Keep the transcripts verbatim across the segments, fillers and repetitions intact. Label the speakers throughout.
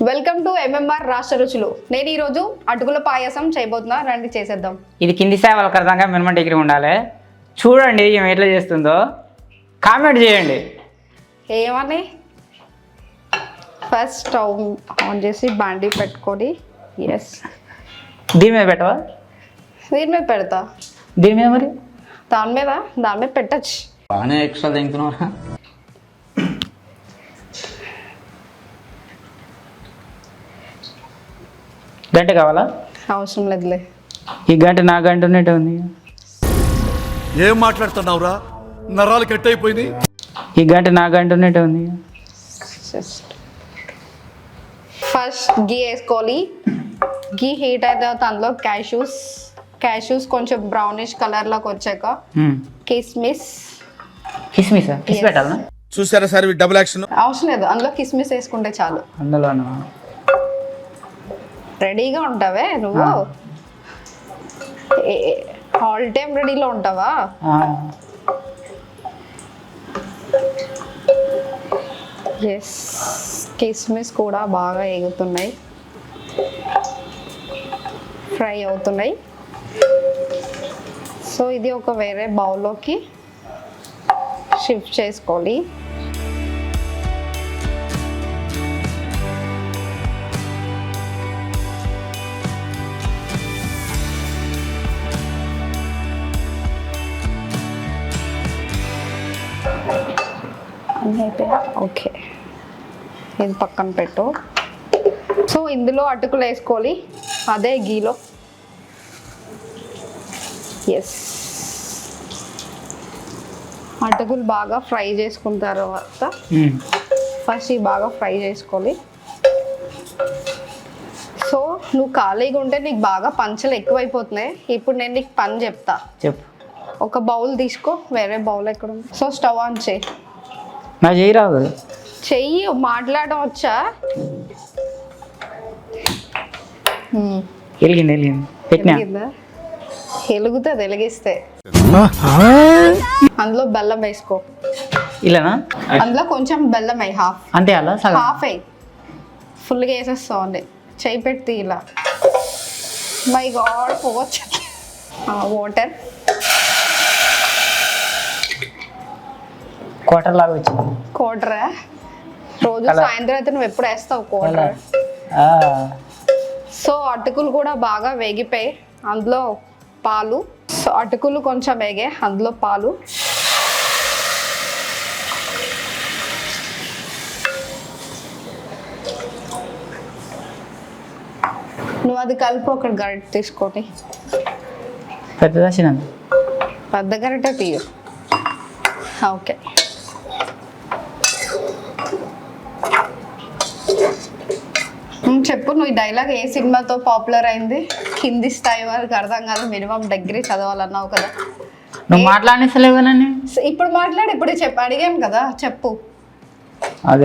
Speaker 1: Welcome to MMR రాష్ట్ర రుచులు. నేను ఈరోజు అటుకుల పాయసం చేయబోతున్నా, రండి చేసేద్దాం.
Speaker 2: ఇది కింది స్థాయి వాళ్ళకి అర్థంగా మినిమం డిగ్రీ ఉండాలి. చూడండి ఏం ఎట్లా చేస్తుందో, కామెంట్ చేయండి.
Speaker 1: ఏమని ఫస్ట్ స్టవ్ ఆన్ చేసి బాండీ పెట్టుకొని, ఎస్
Speaker 2: దీని మీద పెట్టవా?
Speaker 1: దీని మీద పెడతా.
Speaker 2: దీని మీద మరి
Speaker 1: దాని మీద దాని మీద పెట్టచ్చు.
Speaker 2: బాగానే ఎక్స్ట్రా తింటున్నావా? గంట కావాలా?
Speaker 1: అవసరం లేదులే.
Speaker 2: ఈ గంట నా గంట ఉన్నట్టే ఉంది.
Speaker 3: ఏం మాట్లాడుతున్నావురా? నరాలు కట్ అయిపోయింది.
Speaker 2: ఈ గంట నా గంట ఉన్నట్టే ఉంది.
Speaker 1: ఫస్ట్ గీ వేసుకోవాలి. గీ హీట్ అయితే అందులో క్యాష్యూస్ క్యాష్యూస్ కొంచెం బ్రౌనిష్ కలర్లోకి వచ్చాక కిస్మిస్.
Speaker 2: కిస్మిస్ కిస్ పెట్టాలా?
Speaker 3: చూసారా సార్ డబుల్ యాక్షన్.
Speaker 1: అవసరం లేదు, అందులో కిస్మిస్ వేసుకుంటే చాలు.
Speaker 2: అందులోనా?
Speaker 1: రెడీగా ఉంటావే నువ్వు? ఆల్ టైమ్ రెడీలో ఉంటావా? ఎస్, కిస్మిస్ కూడా బాగా ఎగుతున్నాయి, ఫ్రై అవుతున్నాయి. సో ఇది ఒక వేరే బౌల్లోకి షిఫ్ట్ చేసుకోవాలి. ఓకే, ఇది పక్కన పెట్టు. సో ఇందులో అటుకులు వేసుకోవాలి, అదే గీలో. ఎస్, అటుకులు బాగా ఫ్రై చేసుకున్న తర్వాత ఫస్ట్ ఇవి బాగా ఫ్రై చేసుకోవాలి. సో నువ్వు ఖాళీగా ఉంటే నీకు బాగా పంచలు ఎక్కువైపోతున్నాయి. ఇప్పుడు నేను నీకు పని చెప్తా.
Speaker 2: చెప్పు.
Speaker 1: ఒక బౌల్ తీసుకో, వేరే బౌల్ ఎక్కడ ఉంది? సో స్టవ్ ఆన్ చేయి.
Speaker 2: నా చెయ్యి రాదు.
Speaker 1: చెయ్యి మాట్లాడడం వచ్చా?
Speaker 2: వెలిగింది వెలిగింది పెట్టినా.
Speaker 1: వెలుగుతుంది, వెలిగిస్తే. అందులో బెల్లం వేసుకో.
Speaker 2: ఇలానా?
Speaker 1: అందులో కొంచెం బెల్లం వేయి, హాఫ్.
Speaker 2: అంతే అలా సగం?
Speaker 1: హాఫ్ వేయి, ఫుల్గా వేసేస్తావు. చెయ్యి పెట్టి ఇలా. మై గాడ్, పోవచ్చు. వాటర్
Speaker 2: క్వార్టర్ లాగా వచ్చింది.
Speaker 1: క్వార్టరా? రోజు సాయంత్రం అయితే నువ్వు ఎప్పుడు వేస్తావు క్వార్టర్? సో అటుకులు కూడా బాగా వేగిపోయి అందులో పాలు. సో అటుకులు కొంచెం వేగే అందులో పాలు. నువ్వు అది కలిపి ఒక గరిటె తీసుకొని.
Speaker 2: పెద్దదా చిన్న?
Speaker 1: పెద్ద గరిటె తీయ. ఓకే, చెప్పు. నువ్వు ఈ డైలాగ్ ఏ సినిమాతో పాపులర్ అయింది? కింది స్థాయి వారికి అర్థం కాదు, మినిమం డిగ్రీ చదవాలన్నావు కదా.
Speaker 2: నువ్వు మాట్లాడేసలేవనని
Speaker 1: ఇప్పుడు మాట్లాడి, ఇప్పుడు చెప్పు. అడిగాను కదా, చెప్పు.
Speaker 2: అది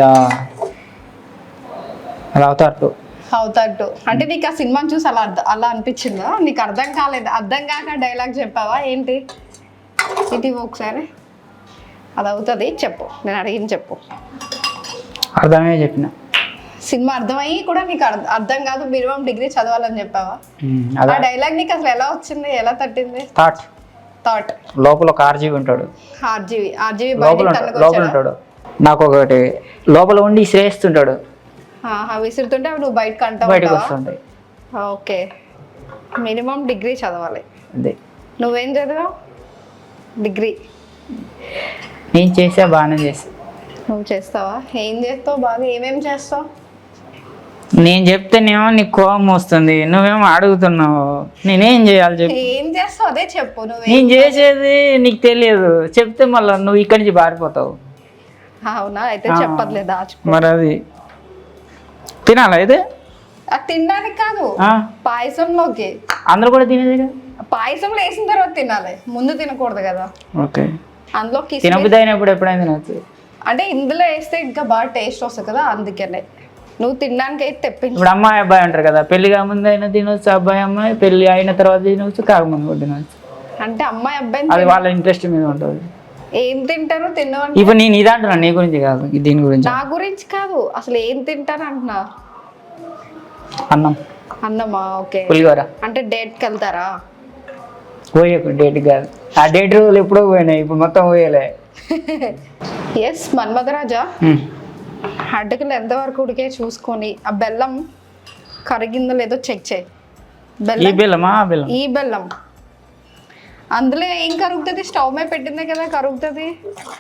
Speaker 2: అలా అవుతారు
Speaker 1: అవుతాడు అంటే నీకు ఆ సినిమాని చూసి అలా అలా అనిపించిందా? నీకు అర్థం కాలేదు? అర్థం కాక డైలాగ్ చెప్పావా ఏంటి? ఇది ఒకసారి అది అవుతుంది, చెప్పు. నేను అడిగింది చెప్పు.
Speaker 2: అర్థమే చెప్పిన.
Speaker 1: సినిమా అర్థమయ్యి కూడా నీకు అర్థం కాదు, మినిమం డిగ్రీ చదవాలని చెప్పావా? ఆ డైలాగ్ నీకు అసలు ఎలా వచ్చింది, ఎలా తట్టింది?
Speaker 2: థాట్
Speaker 1: థాట్
Speaker 2: లోపల ఒక ఆర్జీవి ఉంటాడు.
Speaker 1: ఆర్జీవి ఆర్జీవి
Speaker 2: లోపల ఉంటాడు. నాకు ఒకటి లోపల ఉండి శ్రేయిస్తుంటాడు.
Speaker 1: విసురుతుంటే నువ్వు బయటకు అంటావు,
Speaker 2: బయటకు వస్తుంటాయి.
Speaker 1: ఓకే, మినిమం డిగ్రీ చదవాలి.
Speaker 2: అదే.
Speaker 1: నువ్వేం చదివావు? డిగ్రీ.
Speaker 2: నేను చేసా, బాగానే చేసా.
Speaker 1: నువ్వు చేస్తావా? ఏం చేస్తావు బాగా? ఏమేమి చేస్తావు?
Speaker 2: నేను చెప్తేనేమో నీకు కోపం వస్తుంది, నువ్వేమో అడుగుతున్నావు. నేనేం చేయాలి చెప్పు?
Speaker 1: ఏం చేస్తావు అదే చెప్పు. నువ్వు
Speaker 2: నేను చేసేది నీకు తెలియదు, చెప్తే మళ్ళీ నువ్వు ఇక్కడి నుంచి పారిపోతావు.
Speaker 1: అవునా? అయితే చెప్పట్లేదు, దాచుకో.
Speaker 2: మరి అది తినాలా? అయితే
Speaker 1: అది తినడానికి కాదు, పాయసంలోకి.
Speaker 2: అందరూ కూడా తినేది కదా.
Speaker 1: పాయసంలో వేసిన తర్వాత తినాలి, ముందు తినకూడదు కదా.
Speaker 2: ఓకే,
Speaker 1: అందులో
Speaker 2: తినబుద్ధి అయినప్పుడు ఎప్పుడైనా తినచ్చు.
Speaker 1: అంటే ఇందులో వేస్తే ఇంకా బాగా టేస్ట్ వస్తుంది కదా, అందుకనే. నువ్వు తినడానికి అయితే తెప్పించు.
Speaker 2: ఇప్పుడు అమ్మాయి అబ్బాయి అంటారు కదా, పెళ్లి కాకముందు అయినా తినవచ్చు, అబ్బాయి అమ్మాయి పెళ్లి అయిన తర్వాత తినవచ్చు, కాకముందు కూడా తినవచ్చు.
Speaker 1: అంటే అమ్మాయి అబ్బాయి
Speaker 2: అది వాళ్ళ ఇంట్రెస్ట్ మీద ఉంటుంది.
Speaker 1: ఏం తింటారో తినవండి.
Speaker 2: ఇప్పుడు నేను ఇది అంటున్నా, నీ గురించి కాదు, దీని గురించి.
Speaker 1: నా గురించి కాదు, అసలు ఏం తింటారు అంటున్నా.
Speaker 2: అన్నం
Speaker 1: అన్నమా? ఓకే.
Speaker 2: పులిహోర.
Speaker 1: అంటే డేట్కి వెళ్తారా?
Speaker 2: పోయకు డేట్ కాదు, ఆ డేట్ రోజులు ఎప్పుడో పోయినాయి, ఇప్పుడు మొత్తం పోయలే.
Speaker 1: ఎస్ మన్మధరాజా, అడ్డకులు ఎంతవరకు ఉడికే చూసుకొని ఆ బెల్లం కరిగిందో లేదో చెక్ చేయి.
Speaker 2: ఈ
Speaker 1: బెల్లం,
Speaker 2: బెల్లమా ఆ బెల్లం?
Speaker 1: ఈ బెల్లం అందులో ఏం కరుగుతుంది? స్టవ్ మీద పెట్టిందే కదా కరుగుతుంది.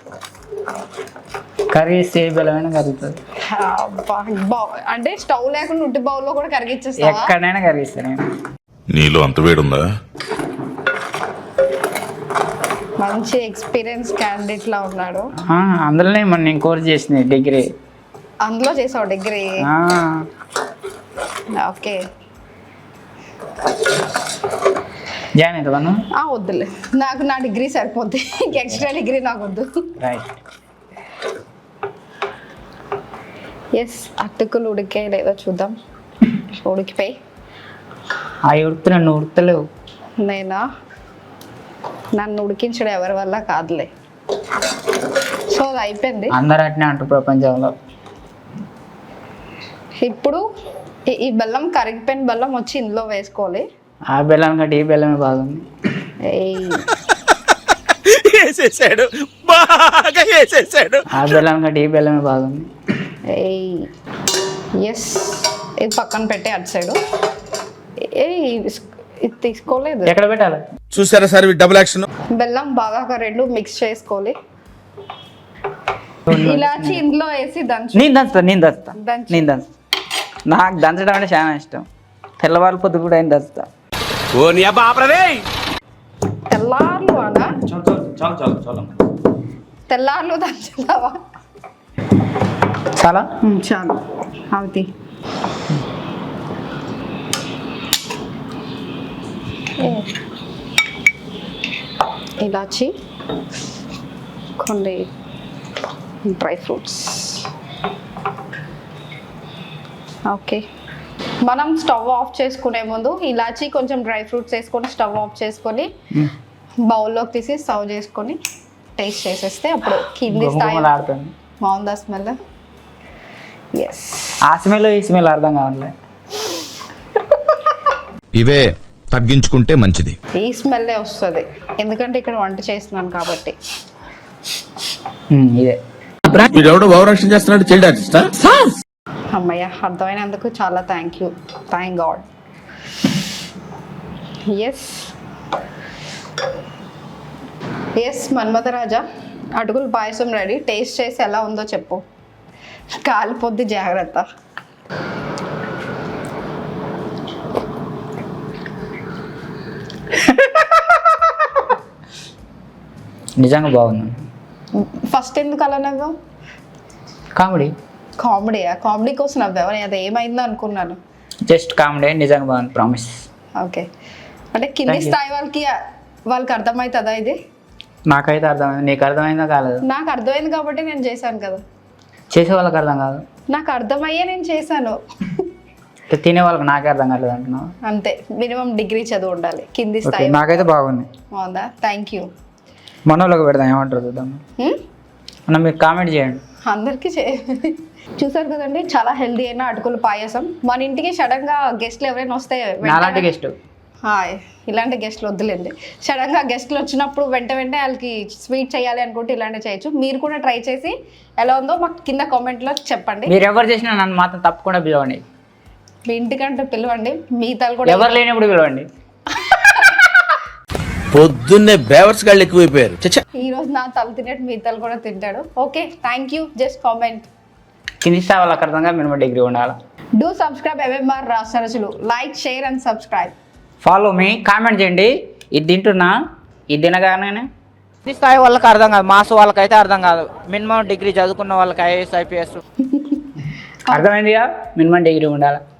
Speaker 2: కరిగిస్తే ఏ బెల్లమైనా కరుగుతుంది.
Speaker 1: అబ్బా, బౌ- అంటే స్టవ్ లేకుండా ఉట్టి బౌల్లో కూడా కరిగిచ్చేస్తా?
Speaker 2: ఎక్కడైనా కరిగిస్తాను నేను.
Speaker 3: నీలో అంత వేడుందా?
Speaker 1: మంచి ఎక్స్పీరియన్స్ క్యాండిడేట్ లా ఉన్నాడు.
Speaker 2: ఆ, అందులోనే మొన్న నేను కోర్స్ చేసింది డిగ్రీ.
Speaker 1: అందులో చేసావు డిగ్రీ?
Speaker 2: ఆ,
Speaker 1: ఓకే.
Speaker 2: జాయిన్ అవుతావా నువ్వు?
Speaker 1: ఆ, వద్దులే, నాకు నా డిగ్రీ సరిపోద్ది, ఎక్స్ట్రా డిగ్రీ నాకు వద్దు.
Speaker 2: రైట్.
Speaker 1: ఎస్, అటుకులు ఉడికే లేదో చూద్దాం. ఉడికిపోయి
Speaker 2: అవి ఉడుకుతున్నా, నువ్వు ఉడతలేవు.
Speaker 1: నేనా? నన్ను ఉడికించడం ఎవరి వల్ల కాదులే. సో అది అయిపోయింది.
Speaker 2: అందరు అట్నే అంటారు ప్రపంచంలో.
Speaker 1: ఇప్పుడు ఈ- ఈ బెల్లం కరిగిపోయిన బెల్లం వచ్చి ఇందులో వేసుకోవాలి.
Speaker 2: ఆ బెల్లం కంటే ఈ బెల్లమే బాగుంది.
Speaker 1: ఏయ్,
Speaker 3: వేసేసాడు, బాగా వేసేసాడు.
Speaker 2: ఆ బెల్లం కంటే ఈ బెల్లమే బాగుంది.
Speaker 1: ఏయ్, ఎస్. ఇది పక్కన పెట్టే అటు సైడు. ఏ ఇది తీసుకోలేదు.
Speaker 2: ఎక్కడ పెట్టాలి?
Speaker 3: చూసారా సార్ డబుల్ యాక్షన్?
Speaker 1: బెల్లం బాగా ఒక రెండు మిక్స్ చేసుకోవాలి. ఇలాచి ఇందులో వేసి దంచు.
Speaker 2: నేను దంచుతా, నేను దంచుతా,
Speaker 1: దంచు.
Speaker 2: నేను దంచుతా. నాకు దంచడం అంటే చాలా ఇష్టం. తెల్లవారి పొద్దు కూడా ఆయన దంచుతా.
Speaker 1: తెల్లార్లు అనా? తెల్లార్లు దంచుతావా?
Speaker 2: చాలా
Speaker 1: చాలు, అవుతి. ఇలాచి, కొన్ని డ్రై ఫ్రూట్స్. ఓకే, మనం స్టవ్ ఆఫ్ చేసుకునే ముందు ఇలాచి కొంచెం డ్రై ఫ్రూట్స్ వేసుకొని స్టవ్ ఆఫ్ చేసుకొని బౌల్లోకి తీసి సర్వ్ చేసుకొని టేస్ట్ చేసేస్తే అప్పుడు కింది స్థాయి.
Speaker 2: గుమగుమలాడుతుంది.
Speaker 1: బాగుందా స్మెల్? ఎస్.
Speaker 2: ఆ స్మెల్ ఈ స్మెల్ అర్థం కావట్లే.
Speaker 4: ఇవే తగ్గించుకుంటే మంచిది.
Speaker 1: ఈ స్మెల్లే వస్తుంది, ఎందుకంటే ఇక్కడ వంట చేస్తున్నాను కాబట్టి.
Speaker 2: ఉమ్, ఇదే.
Speaker 3: వీడెవడో భావరక్షణ చేస్తున్నాడు, చైల్డ్ ఆర్టిస్టా?
Speaker 1: అమ్మయ్య, అర్థమైనందుకు చాలా thank you, thank god. Yes yes Manmatharaja, అటుకులు పాయసం రెడీ. టేస్ట్ చేసి ఎలా ఉందో చెప్పు. కాలిపోద్ది, జాగ్రత్త.
Speaker 2: నిజంగా బాగుంది.
Speaker 1: ఫస్ట్ ఎందుకు అలా నవ్వావు?
Speaker 2: కామెడీ.
Speaker 1: కామెడీయా? కామెడీ కోసం నవ్వావు? నేను అది ఏమైందో అనుకున్నాను.
Speaker 2: జస్ట్ కామెడీ, నిజంగా బాగుంది, ప్రామిస్.
Speaker 1: ఓకే, అంటే కింది
Speaker 2: Thank you.
Speaker 1: స్థాయి వాళ్ళకి వాళ్ళకి అర్థమవుతుందా ఇది?
Speaker 2: నాకైతే అర్థమైంది, నీకు అర్థమైందో కాలేదు.
Speaker 1: నాకు అర్థమైంది కాబట్టి నేను చేశాను కదా.
Speaker 2: చేసే వాళ్ళకి అర్థం కాదు,
Speaker 1: నాకు అర్థమయ్యే నేను చేశాను.
Speaker 2: తినే వాళ్ళకి నాకే అర్థం కాలేదు అంటున్నావు.
Speaker 1: అంతే, మినిమం డిగ్రీ చదువు ఉండాలి. కింది
Speaker 2: ఓకే,
Speaker 1: స్థాయి.
Speaker 2: నాకైతే బాగుంది.
Speaker 1: బాగుందా? Thank you.
Speaker 2: మనోళ్ళకి పెడదాం, ఏమంటారు చూద్దాం. అన్న మీరు కామెంట్ చేయండి.
Speaker 1: అందరికీ చే చూసారు కదండి, చాలా హెల్దీ అయిన అటుకుల పాయసం. మన ఇంటికి సడన్గా గెస్ట్లు ఎవరైనా వస్తే వెంటనే-
Speaker 2: నాలాంటి గెస్ట్.
Speaker 1: హాయ్, ఇలాంటి గెస్ట్లు వద్దులేండి. సడన్గా గెస్ట్లు వచ్చినప్పుడు వెంట వెంటనే వాళ్ళకి స్వీట్ చేయాలి అనుకుంటే ఇలాంటివి చేయొచ్చు. మీరు కూడా ట్రై చేసి ఎలా ఉందో మాకు కింద కామెంట్లో చెప్పండి.
Speaker 2: మీరు ఎవరు చేసినా నన్ను మాత్రం తప్పకుండా పిలవండి.
Speaker 1: మీ ఇంటికంటే పిలవండి, మిగతాలు కూడా.
Speaker 2: ఎవరు లేనప్పుడు పిలవండి.
Speaker 3: పొద్దున్నే బేవర్స్ గాళ్ళు ఎక్కువైపోయారు. చచ్చా,
Speaker 1: ఈ రోజు నా తల తినేట్టు మిగతాలు కూడా తింటాడు. Okay, thank you. Just comment.
Speaker 2: కింది స్థాయి వాళ్ళకి అర్థంగా మినిమం డిగ్రీ ఉండాలి.
Speaker 1: డూ సబ్స్క్రైబ్ ఎంఎంఆర్ రాసరచులు. Like, share and subscribe.
Speaker 2: Follow me, comment చేయండి. ఇది తింటున్నా, ఇది తినగానే కింది స్థాయి వాళ్ళకి అర్థం కాదు, మాస్ వాళ్ళకైతే అర్థం కాదు. మినిమం డిగ్రీ చదువుకున్న వాళ్ళకి ఐఏఎస్ ఐపీఎస్ అర్థమైందిగా, మినిమం డిగ్రీ ఉండాలి.